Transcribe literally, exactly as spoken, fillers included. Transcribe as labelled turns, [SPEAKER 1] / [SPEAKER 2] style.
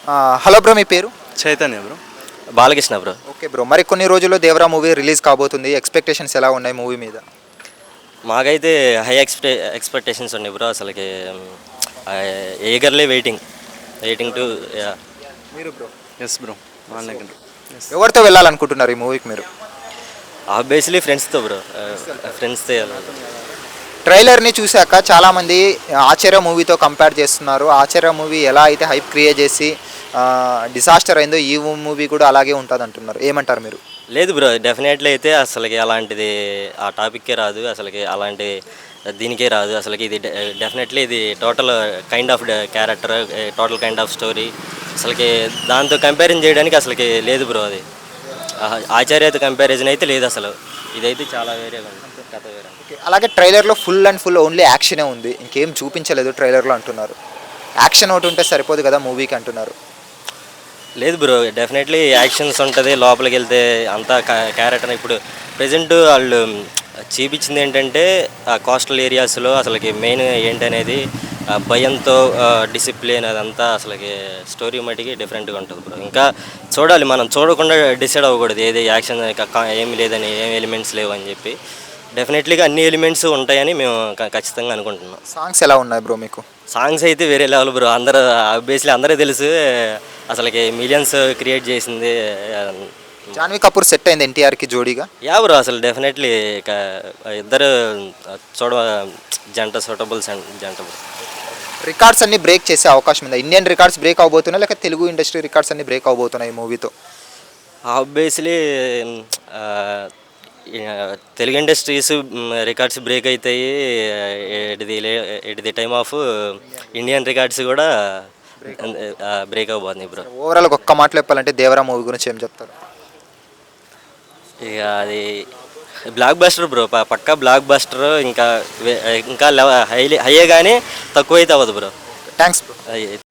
[SPEAKER 1] Hello bro, మీ పేరు?
[SPEAKER 2] Chaitanya bro.
[SPEAKER 3] Balakrishna bro.
[SPEAKER 1] Okay bro, మరి కొన్ని రోజుల్లో దేవరా మూవీ రిలీజ్ కాబోతుంది. ఎక్స్పెక్టేషన్స్ ఎలా ఉన్నాయి మూవీ మీద?
[SPEAKER 3] మాకైతే హై ఎక్స్పె ఎక్స్పెక్టేషన్స్ ఉన్నాయి బ్రో. అసలుకి ఏగర్లీ వెయిటింగ్ వెయిటింగ్ టు.
[SPEAKER 1] మీరు బ్రో?
[SPEAKER 2] Yes bro, online.
[SPEAKER 1] ఎవరితో వెళ్ళాలనుకుంటున్నారు ఈ మూవీకి మీరు?
[SPEAKER 3] ఆబ్వియస్లీ ఫ్రెండ్స్తో బ్రో, ఫ్రెండ్స్తో.
[SPEAKER 1] ట్రైలర్ని చూశాక చాలామంది ఆచార్య మూవీతో కంపేర్ చేస్తున్నారు. ఆచార్య మూవీ ఎలా అయితే హైప్ క్రియేట్ చేసి డిసాస్టర్ అయిందో ఈ మూవీ కూడా అలాగే ఉంటుంది అంటున్నారు. ఏమంటారు మీరు?
[SPEAKER 3] లేదు బ్రో, డెఫినెట్లీ అయితే అసలుకి అలాంటిది ఆ టాపిక్కే రాదు, అసలుకి అలాంటి దీనికే రాదు. అసలుకి ఇది డెఫినెట్లీ ఇది total kind of character, total kind of story. అసలుకి దాంతో కంపారిజన్ చేయడానికి అసలుకి లేదు బ్రో. అది ఆచార్యతో కంపారిజన్ అయితే లేదు అసలు. ఇదైతే చాలా వేరే కథ వేరే.
[SPEAKER 1] అలాగే ట్రైలర్లో ఫుల్ అండ్ ఫుల్ ఓన్లీ యాక్షనే ఉంది, ఇంకేం చూపించలేదు ట్రైలర్లో అంటున్నారు. యాక్షన్ ఒకటి ఉంటే సరిపోదు కదా మూవీకి అంటున్నారు.
[SPEAKER 3] లేదు బ్రో, డెఫినెట్లీ యాక్షన్స్ ఉంటుంది. లోపలికి వెళ్తే అంతా క్యారెక్టర్. ఇప్పుడు ప్రజెంట్ వాళ్ళు చూపించింది ఏంటంటే ఆ కోస్టల్ ఏరియాస్లో అసలుకి మెయిన్ ఏంటనేది భయంతో డిసిప్లిన్ అదంతా అసలుకి స్టోరీ మటుకి డిఫరెంట్గా ఉంటుంది బ్రో. ఇంకా చూడాలి, మనం చూడకుండా డిసైడ్ అవ్వకూడదు ఏది యాక్షన్ ఏమి లేదని, ఏం ఎలిమెంట్స్ లేవు అని చెప్పి. డెఫినెట్లీగా అన్ని ఎలిమెంట్స్ ఉంటాయని మేము ఖచ్చితంగా అనుకుంటున్నాం.
[SPEAKER 1] సాంగ్స్ ఎలా ఉన్నాయి బ్రో మీకు?
[SPEAKER 3] సాంగ్స్ అయితే వేరే లెవెల్ బ్రో. అందరూ ఆబ్వియస్లీ అందరూ తెలుసు, అసలుకి మిలియన్స్ క్రియేట్ చేసింది.
[SPEAKER 1] జాన్వీ కపూర్ సెట్ అయింది ఎన్టీఆర్కి జోడీగా.
[SPEAKER 3] యా బ్రో, అసలు డెఫినెట్లీ ఇక ఇద్దరు చూడ జంట సూటబుల్స్ అండ్ జంట.
[SPEAKER 1] రికార్డ్స్ అన్ని బ్రేక్ చేసే అవకాశం ఉందా? ఇండియన్ రికార్డ్స్ బ్రేక్ అవబోతున్నాయి లేక తెలుగు ఇండస్ట్రీ రికార్డ్స్ అన్ని బ్రేక్ అవబోతున్నాయి ఈ మూవీతో?
[SPEAKER 3] Obviously Telugu industries records break అవుతాయి. At the at the time of Indian records కూడా బ్రేక్ అవబోతుంది బ్రో.
[SPEAKER 1] ఓవరాల్ ఒక్క మాటలో చెప్పాలంటే దేవరా మూవీ గురించి ఏం చెప్తారు?
[SPEAKER 3] ఇక అది బ్లాక్ బస్టర్ బ్రో, పక్కా బ్లాక్ బస్టర్. ఇంకా ఇంకా హై హైయే కానీ తక్కువ అయితే అవ్వదు బ్రో.
[SPEAKER 1] Thanks bro.